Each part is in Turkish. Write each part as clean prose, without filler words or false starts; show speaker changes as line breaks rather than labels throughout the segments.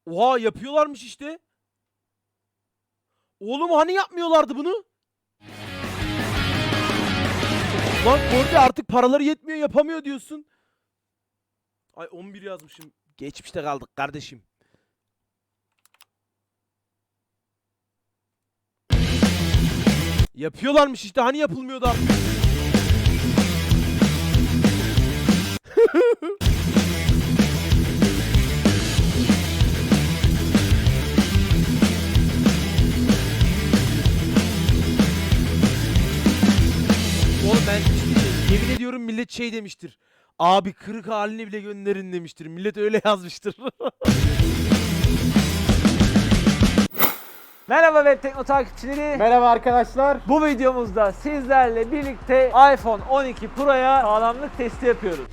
Oha yapıyorlarmış işte. Oğlum hani yapmıyorlardı bunu? Lan Kordi artık paraları yetmiyor yapamıyor diyorsun. Ay 11 yazmışım. Geçmişte kaldık kardeşim. Yapıyorlarmış işte hani yapılmıyordu artık. Oğlum ben yemin ediyorum millet şey demiştir. Abi kırık halini bile gönderin demiştir. Millet öyle yazmıştır.
Merhaba Web Tekno takipçileri.
Merhaba arkadaşlar.
Bu videomuzda sizlerle birlikte iPhone 12 Pro'ya sağlamlık testi yapıyoruz.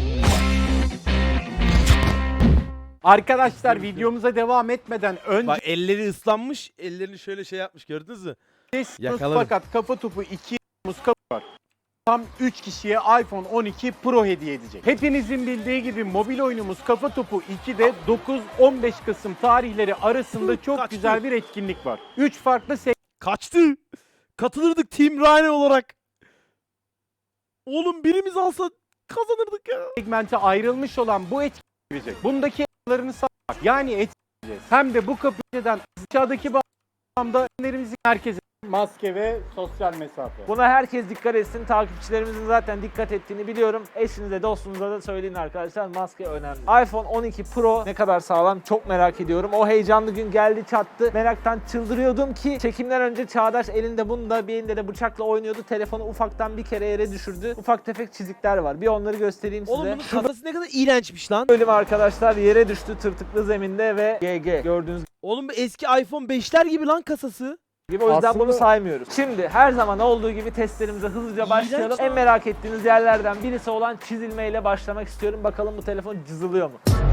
Arkadaşlar videomuza devam etmeden önce
Bak elleri ıslanmış. Ellerini şöyle şey yapmış gördünüz mü? Yakalarım.
fakat kafa topu 2 kapı var. Tam 3 kişiye iPhone 12 Pro hediye edecek. Hepinizin bildiği gibi mobil oyunumuz Kafa Topu 2'de 9-15 Kasım tarihleri arasında çok
Kaçtı.
güzel bir etkinlik var. 3 farklı
Kaçtı. Katılırdık Team Ryan olarak. Oğlum birimiz alsa kazanırdık ya.
segmente ayrılmış olan bu etkinlik. Bundaki eşyalarını satmak yani etkileyeceğiz. Hem de bu kapıdan aşağıdaki bağlamda ürünlerimizin herkese maske ve sosyal mesafe.
Buna herkes dikkat etsin. Takipçilerimizin zaten dikkat ettiğini biliyorum. Eşinize, dostunuza da söyleyin arkadaşlar. Maske önemli. iPhone 12 Pro ne kadar sağlam çok merak ediyorum. O heyecanlı gün geldi çattı. Meraktan çıldırıyordum ki çekimden önce Çağdaş elinde bunda bir elinde de bıçakla oynuyordu. Telefonu ufaktan bir kere yere düşürdü. Ufak tefek çizikler var. Bir onları göstereyim size.
Oğlum bunun kafası ne kadar iğrençmiş lan.
Bölüm arkadaşlar yere düştü tırtıklı zeminde ve GG. Gördüğünüz
Oğlum bu eski iPhone 5'ler gibi lan kasası.
gibi o yüzden
Aslında-
bunu saymıyoruz. Şimdi her zaman olduğu gibi testlerimize hızlıca başlayalım. En merak ettiğiniz yerlerden birisi olan çizilmeyle başlamak istiyorum. Bakalım bu telefon cızılıyor mu?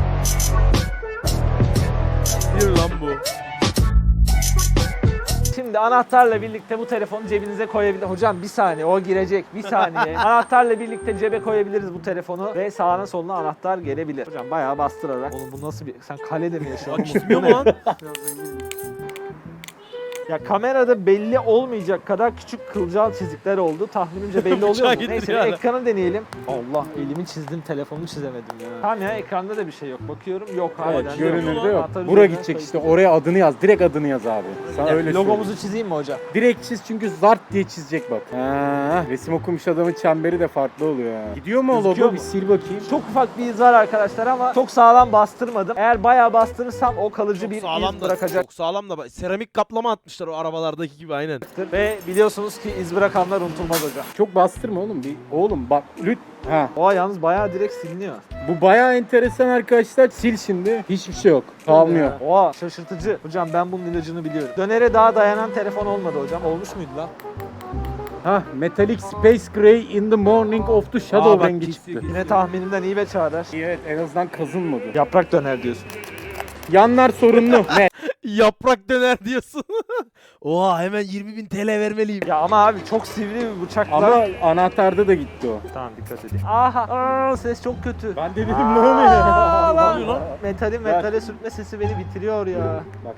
Bir lan bu.
Şimdi anahtarla birlikte bu telefonu cebinize koyabilir. Hocam bir saniye o girecek bir saniye. Anahtarla birlikte cebe koyabiliriz bu telefonu ve sağına soluna anahtar gelebilir. Hocam bayağı bastırarak. Oğlum bu nasıl bir... Sen kalede mi yaşıyorsun?
Bak çizmiyor mu lan?
Ya kamerada belli olmayacak kadar küçük kılcal çizikler oldu. Tahminimce belli oluyor
Bıçağı
mu?
getir
Neyse
yani.
ekranı deneyelim. Allah elimi çizdim telefonu çizemedim ya. Tamam ya ekranda da bir şey yok. Bakıyorum yok harbiden.
Evet,
yok.
görünürde yok.
Anahtarı
Bura
üzerine
gidecek
koy.
işte oraya adını yaz. Direkt adını yaz abi. Sana öyle
Logomuzu
söyleyeyim.
çizeyim mi hocam?
Direkt çiz çünkü zart diye çizecek bak. Ha, resim okumuş adamın çemberi de farklı oluyor ya. Gidiyor mu o
Gözüküyor
logo?
mu?
Bir sil bakayım.
Çok ufak bir iz var arkadaşlar ama çok sağlam bastırmadım. Eğer bayağı bastırırsam o kalıcı
Çok
bir
sağlam
iz
da.
bırakacak.
Çok sağlam da. Seramik kaplama atmışlar o arabalardaki gibi aynen.
Ve biliyorsunuz ki iz bırakanlar unutulmaz hocam.
Çok bastırma oğlum. Oğlum bak ha.
Oha yalnız bayağı direkt siliniyor.
Bu bayağı enteresan arkadaşlar. Sil şimdi. Hiçbir şey yok. Kalmıyor.
Oha şaşırtıcı. Hocam ben bunun ilacını biliyorum. Dönere daha dayanan telefon olmadı hocam. Olmuş muydu lan?
Ha, Metallic Space Gray in the Morning of the Shadow
bak,
rengi
kesiyor,
çıktı.
Yine tahminimden iyi ve Çağdaş.
Evet, en azından kazınmadı.
Yaprak döner diyorsun.
Yanlar sorunlu. Ne?
Yaprak döner diyorsun. Oha hemen 20.000 TL vermeliyim.
Ya ama abi çok sivri bir bıçakla.
Ama anahtarda da gitti o.
Tamam dikkat edeyim. Aha ses çok kötü.
Ben de dedim ne oluyor?
Aa,
Ne oluyor lan?
Metale sürtme sesi beni bitiriyor ya.
Bak.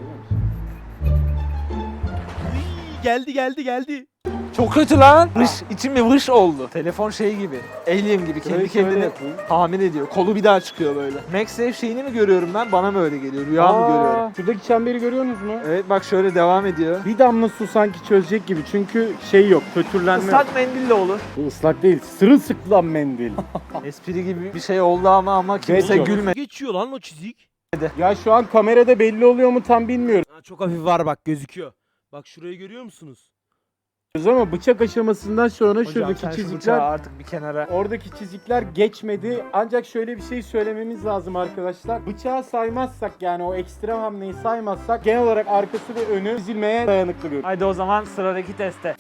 Geldi.
Çok kötü lan. Vış, içim bir vış oldu. Telefon şey gibi. Alien gibi kendi kendine tahmin ediyor. Kolu bir daha çıkıyor böyle. MagSafe şeyini mi görüyorum ben? Bana mı öyle geliyor? Rüya mı görüyorum?
Şuradaki çemberi görüyorsunuz mu?
Evet bak şöyle devam ediyor.
Bir damla su sanki çözecek gibi çünkü şey yok, pötürlenme yok.
Islak mendille olur.
Bu ıslak değil, sırılsıklam mendil.
Espri gibi bir şey oldu ama kimse
yok.
gülmedi.
Geçiyor lan o çizik.
Ya şu an kamerada belli oluyor mu tam bilmiyorum.
Ha, çok hafif var bak gözüküyor. Bak şurayı görüyor musunuz?
Ama bıçak aşamasından sonra
Hocam
şuradaki
sen şu
çizikler,
bıçağı artık bir kenara.
oradaki çizikler geçmedi. Ancak şöyle bir şey söylememiz lazım arkadaşlar. Bıçağı saymazsak yani o ekstrem hamleyi saymazsak genel olarak arkası ve önü çizilmeye dayanıklı görünüyor.
Haydi o zaman sıradaki teste.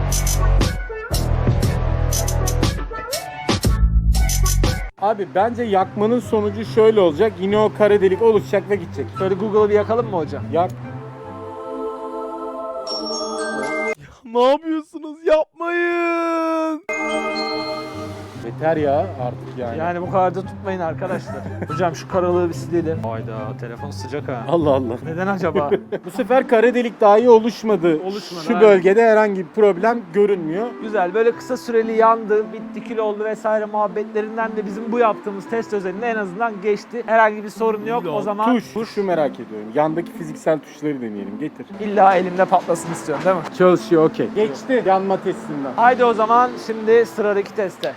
Abi bence yakmanın sonucu şöyle olacak. Yine o kara delik oluşacak ve gidecek.
Şöyle Google'ı bir yakalım mı hocam?
Yak.
Ne yapıyorsunuz? Yapmayın.
Yeter ya artık yani.
Yani bu kadar da tutmayın arkadaşlar. Hocam şu karalığı bir silelim. Hayda telefon sıcak ha.
Allah Allah.
Neden acaba?
Bu sefer kara delik dahi oluşmadı.
Oluşmadı,
Şu
aynen.
bölgede herhangi bir problem görünmüyor.
Güzel, böyle kısa süreli yandı, bitti, kil oldu vesaire muhabbetlerinden de bizim bu yaptığımız test özelinde en azından geçti. Herhangi bir sorun yok. O zaman
Şu merak ediyorum. Yandaki fiziksel tuşları deneyelim. Getir.
illa elimde patlasın istiyorsun değil mi?
Çalışıyor, okey. Geçti yanma testinden.
Haydi o zaman şimdi sıradaki teste.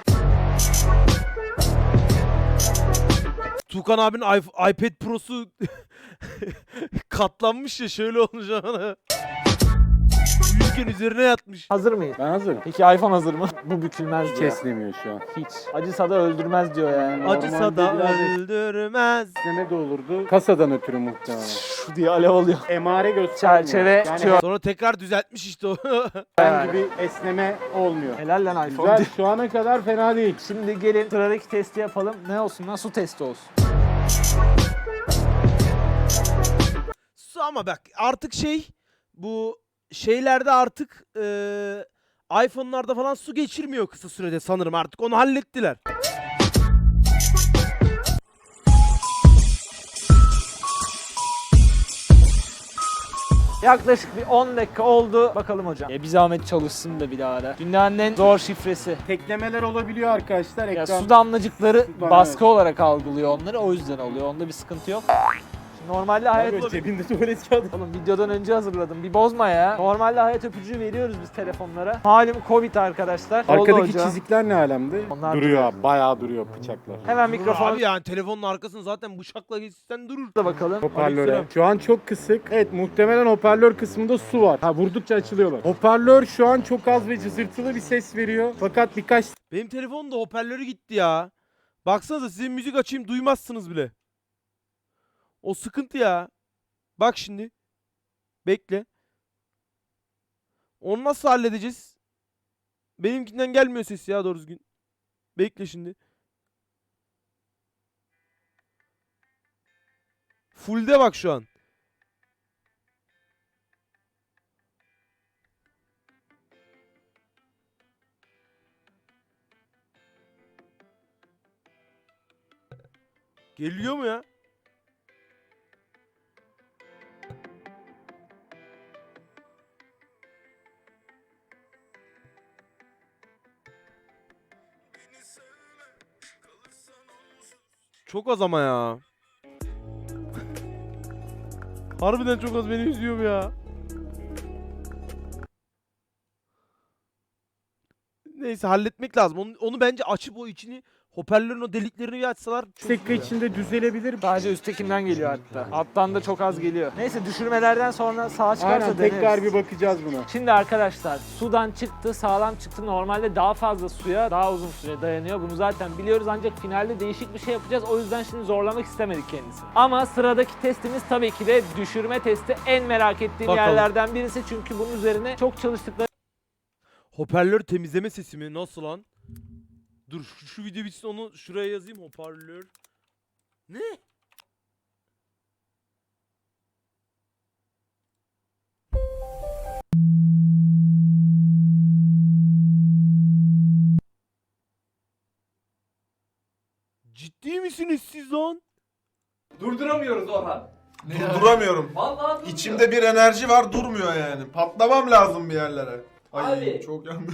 Tuğkan abinin iPad Pro'su katlanmış ya, şöyle olmuş ama. Uyurken üzerine yatmış.
Hazır mıyız?
Ben hazırım.
Peki iPhone hazır mı? Bu bükülmez diyor.
Keslemiyor şu an.
Hiç. Acısa da öldürmez diyor yani.
Acısa da
Normalde biraz
öldürmez.
Ne de olurdu? Kasadan ötürü muhtemelen.
Şu diye alev alıyor.
Emare göstermiyor.
Çerçeve
yani
tutuyor.
Sonra tekrar düzeltmiş işte o.
herhangi bir esneme olmuyor.
Helal lan iPhone.
Güzel, şu ana kadar fena değil.
Şimdi gelin sıradaki testi yapalım. Ne olsun lan? Su testi olsun.
Su ama bak artık bu şeylerde artık iPhone'larda falan su geçirmiyor kısa sürede sanırım, artık onu hallettiler.
Yaklaşık bir 10 dakika oldu. Bakalım hocam. Bir zahmet çalışsın da bir daha da. Dünyanın en zor şifresi.
Teklemeler olabiliyor arkadaşlar.
Ya
Ekran
su damlacıkları
Sudan,
baskı
evet.
olarak algılıyor onları. O yüzden oluyor. Onda bir sıkıntı yok. Şimdi normalde hayat...
Abi, cebinde tuvalet kağıdı.
Oğlum videodan önce hazırladım. Bir bozma ya. Normalde hayat öpücüğü veriyoruz biz telefonlara. Malum Covid arkadaşlar. Oldu
Arkadaki
hocam.
çizikler ne alemde?
Onlar
duruyor abi. Bayağı duruyor bıçaklar.
Hemen
Durur
mikrofonu
abi, yani telefonun arkasını zaten bıçakla geçsen durur.
da bakalım.
Hoparlöre.
Aleykümselam.
Şu an çok kısık. Evet, muhtemelen hoparlör kısmında su var. Ha, vurdukça açılıyorlar. Hoparlör şu an çok az ve cızırtılı bir ses veriyor. Fakat birkaç
Benim telefonun da hoparlörü gitti ya. Baksanıza, size müzik açayım duymazsınız bile. O sıkıntı ya. Bak şimdi. Bekle. Onu nasıl halledeceğiz? Benimkinden gelmiyor ses ya doğru düzgün. Bekle şimdi. Full'de bak şu an. Geliyor mu ya? Çok az ama ya. Harbiden çok az, beni üzüyor ya. Neyse, halletmek lazım. Onu bence açıp o içini, hoparlörün o deliklerini bir açsalar çok
dakika
iyi ya.
içinde düzelebilir.
Sadece üsttekinden geliyor hatta. Alttan da çok az geliyor. Neyse düşürmelerden sonra sağa çıkarsa
Aynen,
deneriz.
tekrar bir bakacağız buna.
Şimdi arkadaşlar sudan çıktı, sağlam çıktı. Normalde daha fazla suya daha uzun süre dayanıyor. Bunu zaten biliyoruz ancak finalde değişik bir şey yapacağız. O yüzden şimdi zorlamak istemedik kendisini. Ama sıradaki testimiz tabii ki de düşürme testi. En merak ettiğim
Bakalım.
yerlerden birisi çünkü bunun üzerine çok çalıştıkları
Hoparlör temizleme sesi mi? Nasıl lan? Dur şu video bitsin, onu şuraya yazayım. Hoparlör. Ne? Ciddi misiniz siz lan?
Durduramıyoruz Orhan.
Durduramıyorum.
Vallahi durmuyor.
İçimde bir enerji var, durmuyor yani. Patlamam lazım bir yerlere. Ay
Abi.
çok yanlış.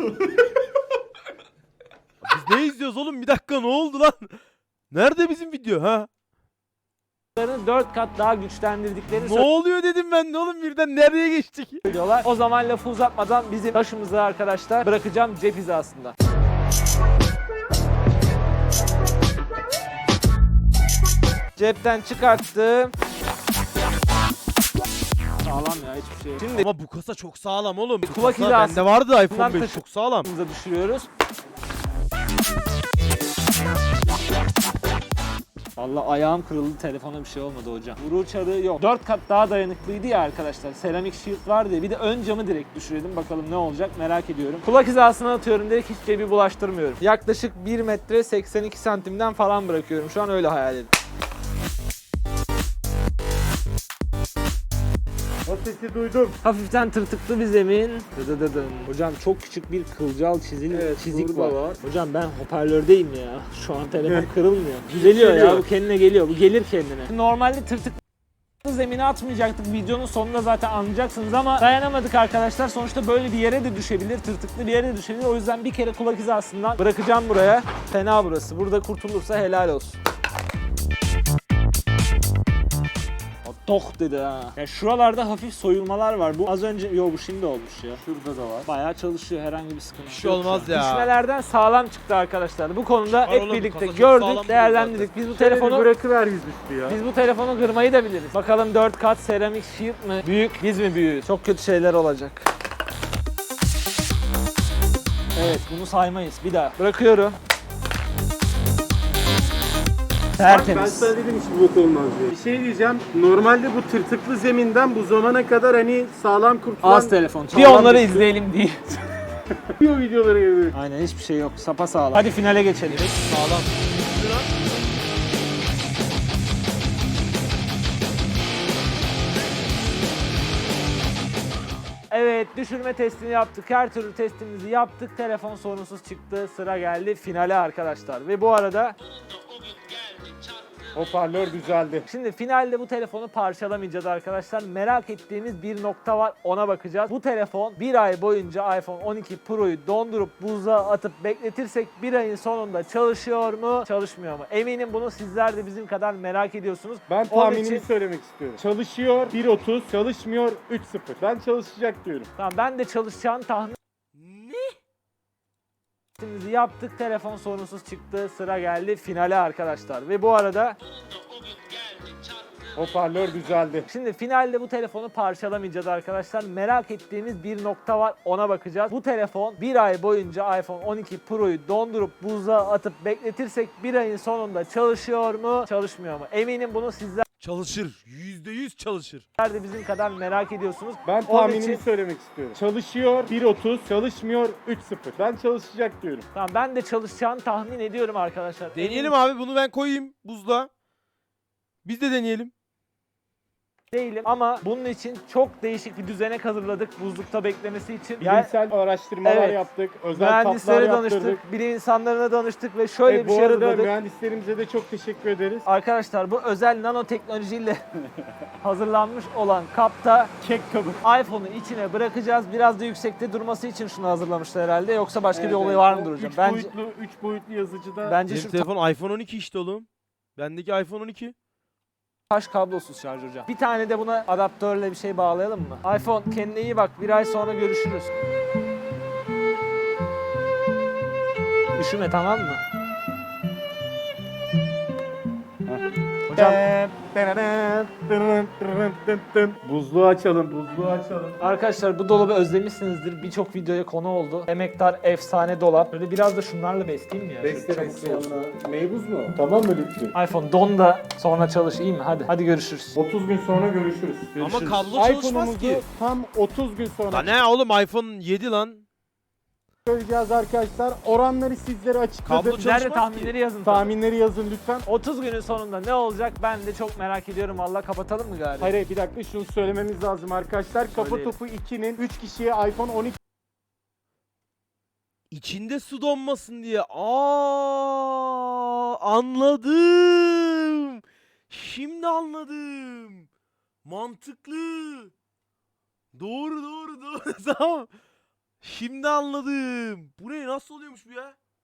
Biz ne izliyoruz oğlum? Bir dakika, ne oldu lan? Nerede bizim video ha?
4 kat daha güçlendirdiklerini
Ne oluyor dedim ben de oğlum, birden nereye geçtik?
söylüyorlar. O zaman lafı uzatmadan bizim taşımızı arkadaşlar bırakacağım cep hizasında. Cepten çıkarttım. Sağlam ya, hiçbir şey yok. Şimdi
Ama bu kasa çok sağlam oğlum. Bu
Kulak
kasa
hizası.
bende vardı iPhone
Bundan
5,
taşı-
çok sağlam.
taşımıza düşürüyoruz. Vallahi ayağım kırıldı, telefona bir şey olmadı hocam. Vuru uçarı yok. 4 kat daha dayanıklıydı ya arkadaşlar. Seramik shield vardı ya. Bir de ön camı direkt düşürelim. Bakalım ne olacak, merak ediyorum. Kulak hizasına atıyorum direkt, hiç cebi bulaştırmıyorum. Yaklaşık 1 metre 82 santimden falan bırakıyorum. Şu an öyle hayal edin.
sesi duydum.
Hafiften tırtıklı bir zemin. Dıdıdıdın. Hocam çok küçük bir kılcal çizik var.
burada var.
Hocam ben hoparlördeyim ya. Şu an telefon kırılmıyor. Düzeliyor ya, bu kendine geliyor. Bu gelir kendine. Normalde tırtıklı zemine atmayacaktık. Videonun sonunda zaten anlayacaksınız ama dayanamadık arkadaşlar. Sonuçta böyle bir yere de düşebilir. Tırtıklı bir yere de düşebilir. O yüzden bir kere kulak hizasından bırakacağım buraya. Fena burası. Burada kurtulursa helal olsun. Tok dedi ha. Ya şuralarda hafif soyulmalar var. Bu az önce, bu şimdi olmuş ya.
Şurada da var.
Bayağı çalışıyor, herhangi bir sıkıntı
Bir şey
yok.
olmaz ya.
Düşmelerden sağlam çıktı arkadaşlar. Bu konuda
Var
hep
oğlum,
birlikte
kasa çok sağlam
gördük,
duruyor
değerlendirdik. Biz bu telefonu
bırakıver yüzüstü ya.
biz bu telefonu kırmayı da biliriz. Bakalım 4 kat seramik shield mı? Büyük, biz mi büyüğüz? Çok kötü şeyler olacak. Evet, bunu saymayız. Bir daha. Bırakıyorum.
Ben
Tertemiz.
sana dedim hiç bu olmaz diye. Bir şey diyeceğim. Normalde bu tırtıklı zeminden bu zamana kadar hani sağlam kurtulan...
Az telefon. Bir
Sağlam
onları
düştü.
izleyelim diye.
Video videoları gibi.
Aynen, hiçbir şey yok. Sapa sağlam. Hadi finale geçelim.
Sağlam.
Evet, düşürme testini yaptık. Her türlü testimizi yaptık. Telefon sorunsuz çıktı. Sıra geldi finale arkadaşlar. Ve bu arada
Hoparlör düzeldi.
şimdi finalde bu telefonu parçalamayacağız arkadaşlar. Merak ettiğimiz bir nokta var, ona bakacağız. Bu telefon bir ay boyunca iPhone 12 Pro'yu dondurup buzluğa atıp bekletirsek bir ayın sonunda çalışıyor mu, çalışmıyor mu? Eminim bunu sizler de bizim kadar merak ediyorsunuz.
Ben
Onun
tahminimi
için-
söylemek istiyorum. Çalışıyor 1.30, çalışmıyor 3.0. Ben çalışacak diyorum.
Tamam, ben de çalışacağını tahmin testimizi yaptık. Telefon sorunsuz çıktı. Sıra geldi finale arkadaşlar. Ve bu arada
Hoparlör düzeldi.
şimdi finalde bu telefonu parçalamayacağız arkadaşlar. Merak ettiğimiz bir nokta var, ona bakacağız. Bu telefon bir ay boyunca iPhone 12 Pro'yu dondurup buzluğa atıp bekletirsek bir ayın sonunda çalışıyor mu, çalışmıyor mu? Eminim bunu sizler
Çalışır. %100 çalışır.
de bizim kadar merak ediyorsunuz.
Ben
Onun
tahminimi
için-
söylemek istiyorum. Çalışıyor 1.30, çalışmıyor 3.0. Ben çalışacak diyorum.
Tamam, ben de çalışacağını tahmin ediyorum arkadaşlar.
Deneyelim abi, bunu ben koyayım buzluğa. Biz de deneyelim.
Değilim ama bunun için çok değişik bir düzenek hazırladık buzlukta beklemesi için. Yani
Bilimsel araştırmalar
Evet.
yaptık. Özel tatlar
mühendislere
yaptırdık.
danıştık, bilim insanlarına danıştık ve şöyle bir
Bu
şey
arada
hazırladık.
mühendislerimize de çok teşekkür ederiz.
Arkadaşlar, bu özel nanoteknolojiyle hazırlanmış olan kapta
Kek kabı.
iPhone'u içine bırakacağız. Biraz da yüksekte durması için şunu hazırlamışlar herhalde. Yoksa başka bir olayı var mıdır hocam? Bence
3 boyutlu yazıcıda
bence
Benim
şu
telefon iPhone 12 işte oğlum. Bendeki iPhone 12.
taş kablosuz şarj hocam. Bir tane de buna adaptörle bir şey bağlayalım mı? iPhone, kendine iyi bak. Bir ay sonra görüşürüz. Üşüme, tamam mı? Hocam
Buzluğu açalım, buzluğu açalım.
arkadaşlar, bu dolabı özlemişsinizdir. Birçok videoya konu oldu. Emektar efsane dolap. Böyle biraz da şunlarla besleyeyim mi ya? Şöyle çabuk soğusun.
Meybuz mu? Tamam mı lütfen?
iPhone don da sonra çalış, iyi mi? Hadi görüşürüz.
30 gün sonra görüşürüz.
Ama kablo çalışmaz
iPhone'umuzu
ki.
tam 30 gün sonra
La ne oğlum, iPhone 7 lan.
söyleyeceğiz arkadaşlar. Oranları sizlere açıkladık.
Kablo
Nerede
çalışmaz
tahminleri yazın. tabii.
Tahminleri yazın lütfen.
30 günün sonunda ne olacak ben de çok merak ediyorum. Valla kapatalım mı galiba?
Hayır bir dakika şunu söylememiz lazım arkadaşlar. Kafa
Söyleyelim.
Topu 2'nin 3 kişiye iPhone 12
İçinde su donmasın diye. Anladım. Şimdi anladım. Mantıklı. Doğru. Tamam. Şimdi anladım. Bu ne, nasıl oluyormuş bu ya?